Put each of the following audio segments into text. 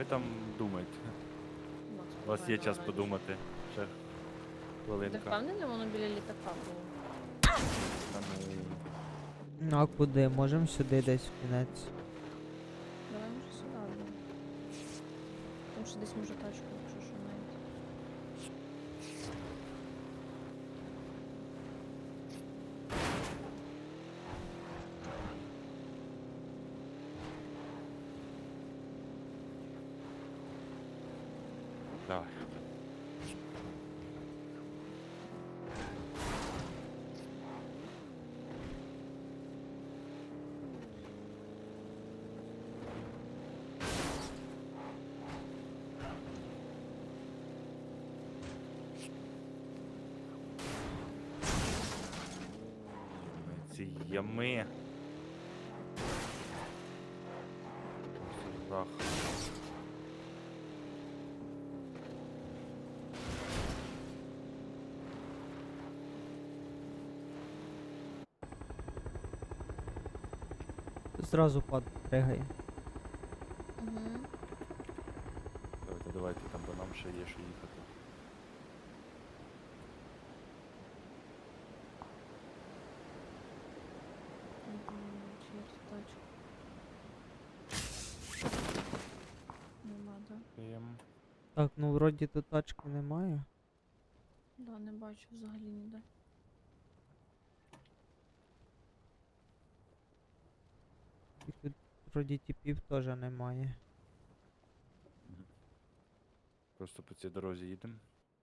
Ви там думаєте. Макс, У вас давай, є давай, час давай. подумати. Ще Ти хвилинка. впевнений, воно біля літака було? Та ну, Ну а куди? Можемо сюди десь в кінець. Давай може сюди, да. Тому що десь може тачку, якщо що навіть. давай. Ці ями. Жах. Зразу пригай. Угу. Давайте, там бо нам ще є що їхати. Чи є тут тачка? Нема, да? Так, ну вроді тут тачки немає. Да, не бачу взагалі ніде. І тут вроді типів теж немає. Мгм. Просто по цій дорозі їдемо.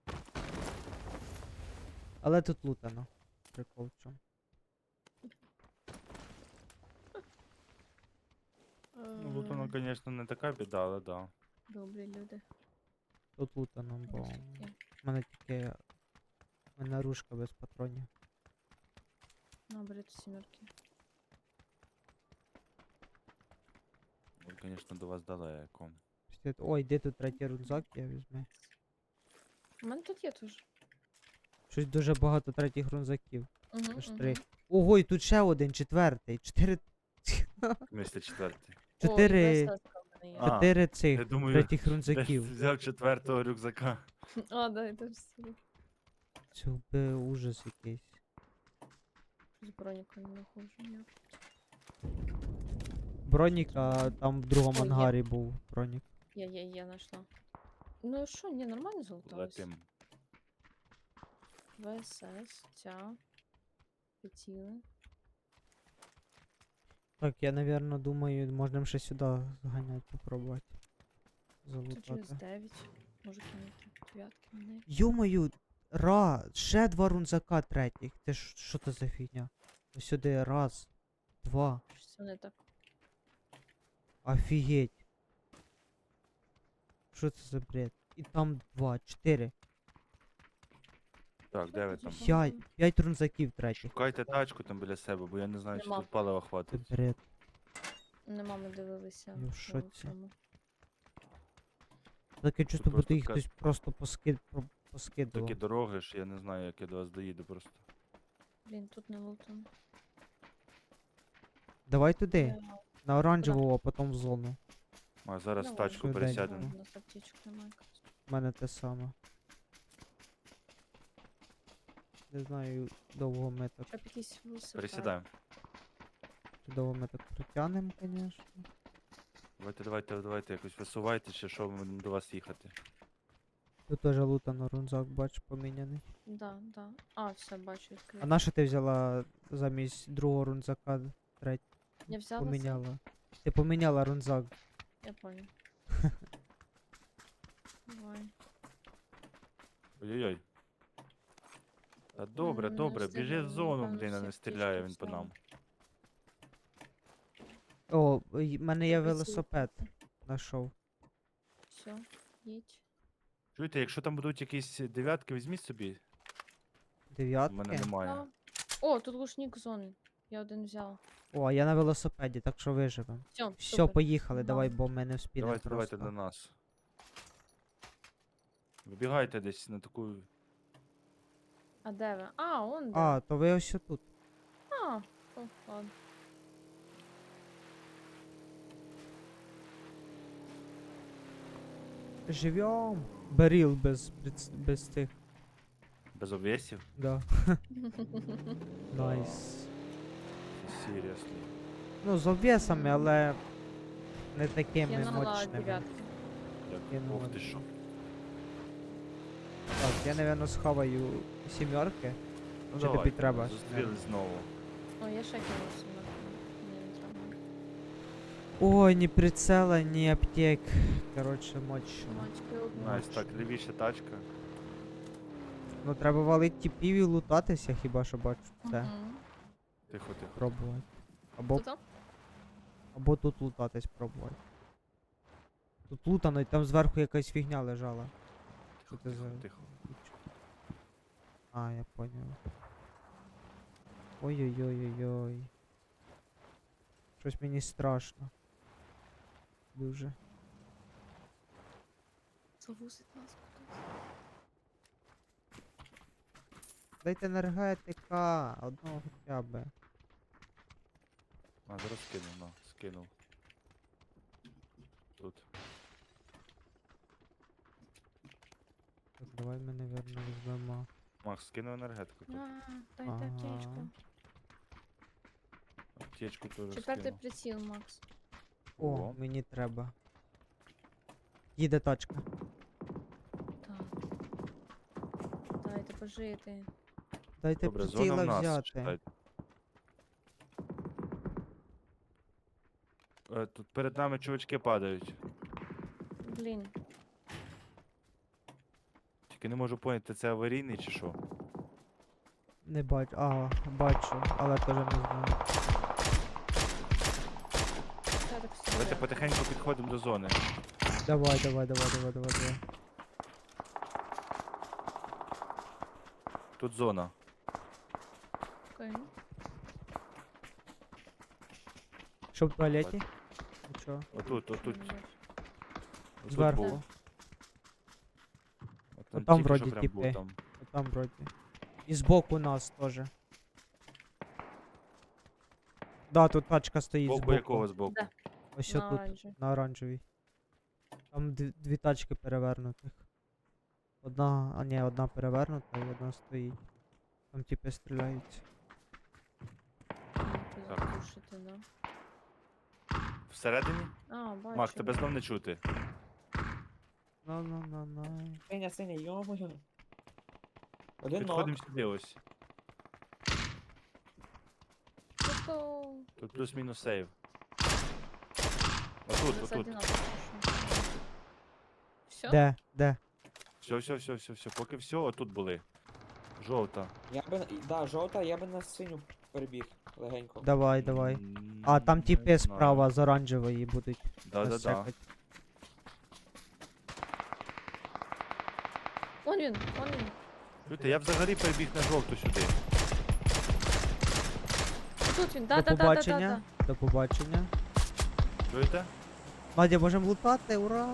Але тут лутано. Прикол в чому. Ну, тут воно, звісно, не така біда, але да. Добрі люди. Тут лутано, бо Ось таке. в мене тільки в мене ружка без патронів. Наберете сімерки. Ну, звісно, до вас далеко. Ой, де тут третій рюкзак, я візьму. У мене тут є теж. Щось дуже багато третіх рюкзаків. Угу, Аж 3. Ого, і тут ще один, четвертий. 4. Місце четвертий. 4 А, 4 цих я думаю, третіх Десь рюкзаків. взяв четвертого рюкзака. А, да, это все. Це би ужас якийсь. З броніка не нахожу ніяк. Бронік, а там в другому Ой, є. ангарі був бронік. Я знайшла. Ну що, ні, нормально залуталось. Летим. ВСС, ця. Приціли. Так, я, напевно, думаю, можемо ще сюди зганяти, попробувати. Тут через Залутати. 9. Може кинути дев'ятки мене. Йомаю, ще 2 рунзака третіх. Це що це за фігня? Ось сюди раз, 2. Щось це не так. Офігеть. Що це за бред? І там 2, 4. Так, де ви там? 5 рунзаків третіх. Шукайте тачку там біля себе, бо я не знаю, чи Нема. тут палива Це хватить. бред. Нема, ми дивилися. Я в шоці. цьому. Таке чувство, будто просто їх така- хтось просто поскидував. Такі дороги ж, я не знаю, як я до вас доїду просто. Блін, тут не лутано. Давай туди, Я- на оранжеву, а потім в зону. А зараз в Давай. тачку Швиденько. пересядемо. У нас аптечок немає. У мене те саме. Не знаю, довго ми так, Щоб якийсь велосипед. Пересідаємо. чи довго ми так протягнемо, звісно. Давайте якось висувайте, чи що ми будемо до вас їхати. Тут теж лутано рунзак, бач, поміняний. Да, да. А, все, бачу, А відкрив. на що ти взяла замість другого рунзака третій? Я взяла це. Поміняла. Ти поміняла рунзак. Я понял. Давай. Ой-ой-ой. Та добре, Не добре, біжи в встигли, зону, напевно, блін, а всі не аптечки стріляє він по взяли. нам. О, в мене є Прицілка. велосипед. Знайшов. Все, їдь. Чуєте, якщо там будуть якісь дев'ятки, візьміть собі. У Дев'ятки. мене немає. Да. О, тут глушник зони. Я один взяла. О, а я на велосипеді, так що виживемо. Все, Все, поїхали, Да. давай, бо ми не вспінемо Давайте просто. до нас. Вибігайте десь на таку. А де ви? А, он де. А, то ви ось тут. А, о, ладно. Живьом. Беріл без тих. Без обвесів? Да. Найс. Серйозно. Ну, з обвесами, але не такими Кинула мощними. дев'ятку. Кинула. Ох ти що. Так, я, напевно, схаваю сімерки. Ну, Чи тобі давай, треба? зустрілись знову. О, я ще кинула сімерку. Ні, не треба. Ой, ні прицела, ні аптек. Коротше, мощно. Мачки одну. Найс, так, лівіша тачка. Ну, треба валити тіпів і лутатися, хіба що бачу це. Мгм. Тихо, тихо. Пробувати. Або, Тут? або тут лутатись пробувати. Тут лутано, і там зверху якась фігня лежала. Тихо, це тихо, за- тихо. А, я поняв. Ой-ой-ой-ой-ой. Щось мені страшно. Дуже. Завусить нас кудись. Дайте енергетика, одного хоча б. А, зараз скинув, на, скинув. Тут. Так, давай ми, наверно, візьмемо. Макс, скинув енергетику тут. Дайте Ага. аптечку. Аптечку теж Четвертий скинув. приціл, Макс. О, О. мені треба. Їде тачка. Так. Дайте пожити. Дайте Добре, зона приціла в нас, взяти. читайте. Тут перед нами чувачки падають. Блін. Тільки не можу поняти, це аварійний чи що. Не бачу. А, бачу, але теж не знаю. Я так всі Давайте йде. потихеньку підходимо до зони. Давай. Тут зона. Окей. Що в туалеті? Нічого. Отут, отут. Що не бачу? Отут Зверху. був. От Отам тільки що вроді прям тіпи. був там. Там вроді. І збоку нас теж. Да, тут тачка стоїть Боку збоку. якого збоку? Де? Ось На тут, оранжевій. на оранжевій. Там дві тачки перевернутих. Одна, а ні, одна перевернута і одна стоїть. Там типи стріляються. Ти Так. запушити, да? Всередині? А, бачу. Макс, тебе знов не чути. На. Синя, йо-моє. Один ног. Підходимо сюди ось. Тобто... Тут плюс-мінус сейв. Отут, отут. Все? Де? Все. Поки все, отут були. Жовта. Я би, да, жовта, я би на синю перебіг легенько. Давай. А, там Не типи знаю. справа з оранжевої будуть. нас Да-да-да. чекать. Вон він. Чуєте, я взагалі перебіг на жовту сюди. Тут він, До да. побачення. До побачення. Чуєте? Надя, можемо лутати, ура!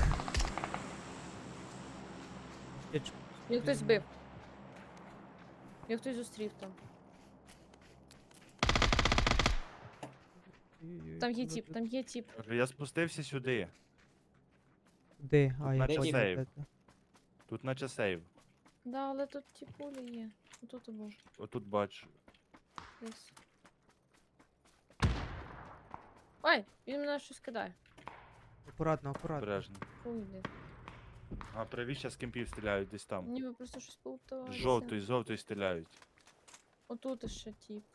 Їх хтось збив. Їх хтось зустрів там. Там є тіп. Кажу, я спустився сюди. Де? А, я наче понял, сейв. де це. Тут наче сейв. Да, але тут тіпулі є. Тут був. Отут бачу. Десь. Ой, він мене щось кидає. Акуратно. Обережно. Уйди. А правіше з кемпів стріляють десь там. Ніби просто щось поуталося. З жовтої стріляють. Отут ще тіп.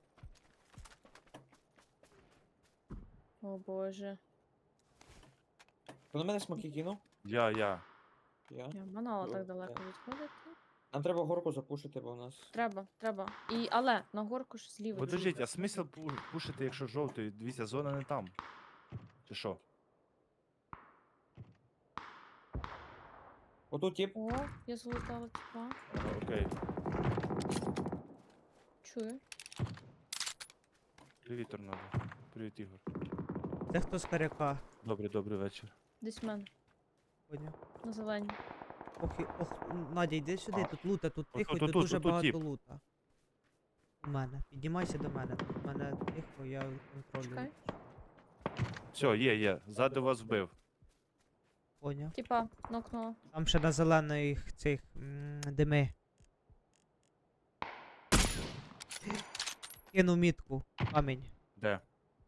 О боже. Хто на мене смоки кинув? Я. Я. Я манала Ну, так далеко так. відходити. Нам треба горку запушити, бо у нас. Треба. Але на горку ж зліва. Подождіть, а смисл пушити, якщо жовтою? Дивіться, зона не там. Чи що? Отут тип. О, я залутала тіпа. Ага, окей. Чую. Привіт, Торнадо. Привіт, Ігор. Це хто з коряка? Добрий вечір. Десь в мене. Поняв. На зелені. Ох, Надя, йди сюди, тут лута, тут тихо, і тут тут, дуже тут багато тіп. лута. У мене. Піднімайся до мене. Тут в мене тихо, я контролюю. Чекай. Все, є. Ззаду вас вбив. Поняв. Типа, нокнула. Там ще на зелених цих дими. Кину мітку. Камінь. Де?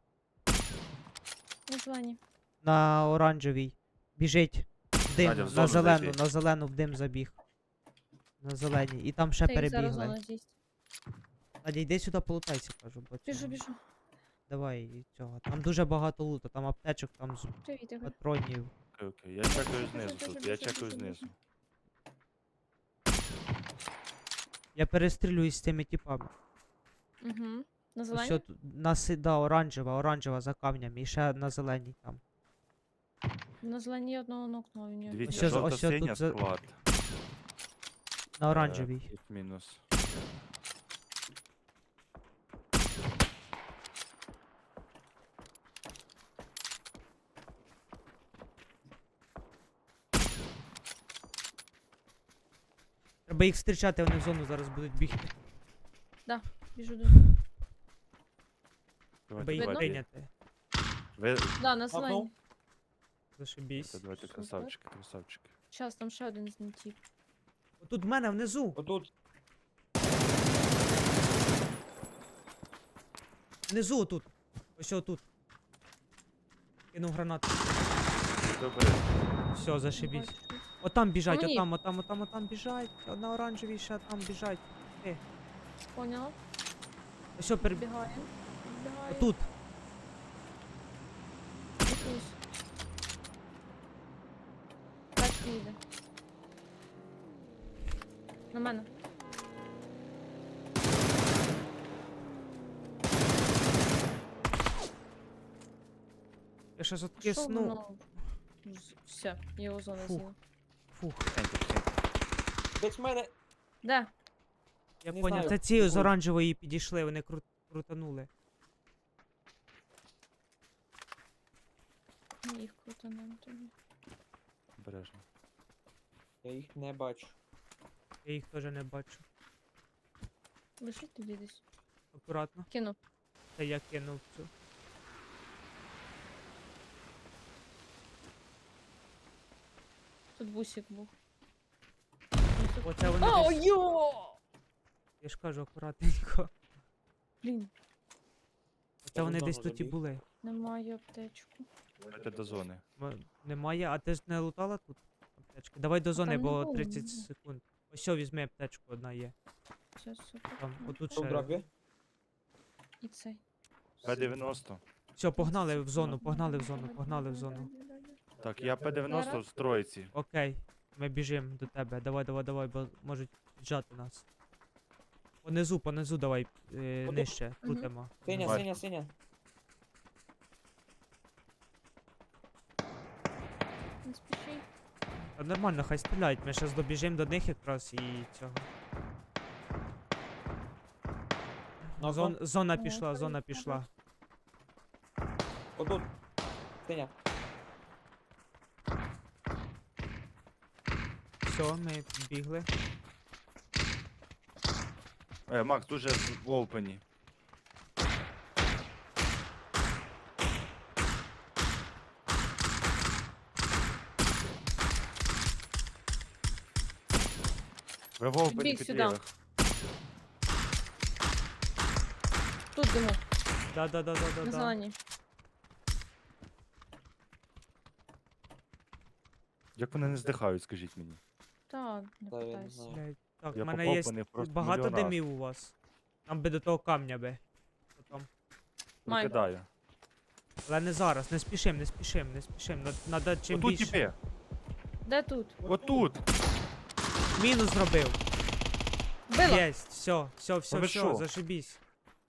На зелені. На оранжевій. Біжить. В дим. Надя, в На зону зелену, зайти. на зелену в дим забіг. На зеленій. І там ще Та їх зараз перебігли. зона з'їсть. Надя, йди сюди полутайся, кажу. Бо Біжу, цього- біжу. Давай і цього. Там дуже багато лута, там аптечок, там Привіт, Ігор. патронів. Окей, я чекаю Біжу, знизу біжу, тут, я біжу, чекаю біжу, знизу. біжу. Я перестрілююсь з цими типами. Угу. На Ось зелені? тут да, оранжева за камнем. І ще на зеленій там. На зелені я одного нокнула, він його. Дивіться, Ось жовта ось тут синя за- склад. На оранжевій. Мінус. Треба їх зустрічати, вони в зону зараз будуть бігти. Біжу до. Треба їх Видно? прийняти. Ви... Да, на зелені. Зашибісь. Давайте, Супер. красавчики, красавчики. Щас, там ще один з них тип. Отут в мене внизу. Отут. Внизу отут. Ось отут. Кинув гранату. Добре. Все, зашибісь. Бачу. Отам біжать, Мені. отам біжать. На оранжевій ще там біжать. Поняла. Ось перебіг. Підбігає. Підбігає. Отут. Якусь. Тачка їде. На мене. Я щас Що откисну. воно? Все, його зона Фух. з'їла. Фух. Тихенько, тихенько. Десь в мене. Де? Я Не поняв. знаю, Та ці з ой. оранжевої підійшли, вони крутанули. Їх круто нам тобі. Обережно. Я їх не бачу. Я їх теж не бачу. Лишіть тоді десь. Акуратно. Кину. Та я кинув цю. Тут бусик був. Оце вони О, десь. йо! Я ж кажу, акуратненько. Блін, Оце вони в десь зону тут і забіг. були. немає аптечку. Давайте до зони. Немає, а ти ж не лутала тут аптечки? Давай до зони, там не бо було, 30 ні. секунд. Ось що, візьми аптечку, одна є. Все, супер. Там, Ну, отут Що в ще. дропі? І цей. П-90. Все, погнали в зону, Давай, погнали в давай, зону, давай, погнали в давай, зону. давай, давай. Так, я П-90 Зараз. в троїці. Окей, ми біжимо до тебе. Давай, бо можуть піджати нас. Понизу давай, Отут. нижче, крутимо. Синя, Бачу. синя, синя. Не спіши. Та нормально, хай стріляють, ми зараз добіжимо до них якраз і цього. Ну, Зона Ну, пішла, окей, зона ага. пішла. Отут. Синя. Все, ми бігли. Макс, дуже в опені. Ви в опені Біг під сюди. лівих. Тут диму, Да. на зелені. Як вони не здихають, скажіть мені. Та, не Та, я не питайся. знаю. Блядь, так, Я в мене попав є по них просто багато мільйон раз. димів у вас. Там би до того камня би. Потом. Май. Викидаю. Але не зараз, не спішим. Надо чим Отут більше. тіпи. Де тут? Отут. Мінус зробив. Била! Єсть, все, ви що? зашибісь.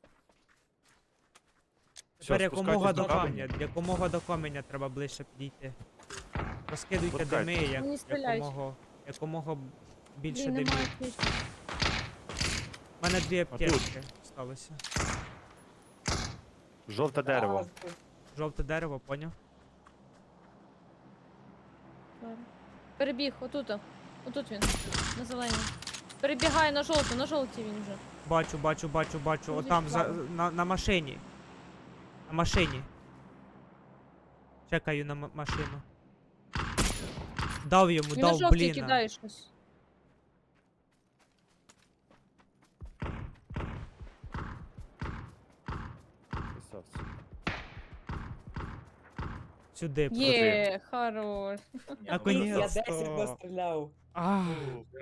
Всьо, Тепер якомога до спускайтесь до камня, якомога до каменя треба ближче підійти. Розкидуйте Спускайтесь. дими, Мені стріляють. якомога більше Блін, димів. немає аптечки. У мене дві тут. аптечки сталося. Жовте дерево. Жовте дерево, поняв? Зараз. Перебіг, отут. Отут він. На зеленій. Перебігає на жовтій він вже. Бачу. Ну, Отам відправив. на машині. На машині. Чекаю на машину. Дав йому, Він на дав, жовтій блін. кидає щось. Красавці. Сюди. Є, хорош. Я Наконець-то. 10 настріляв. А, Фу,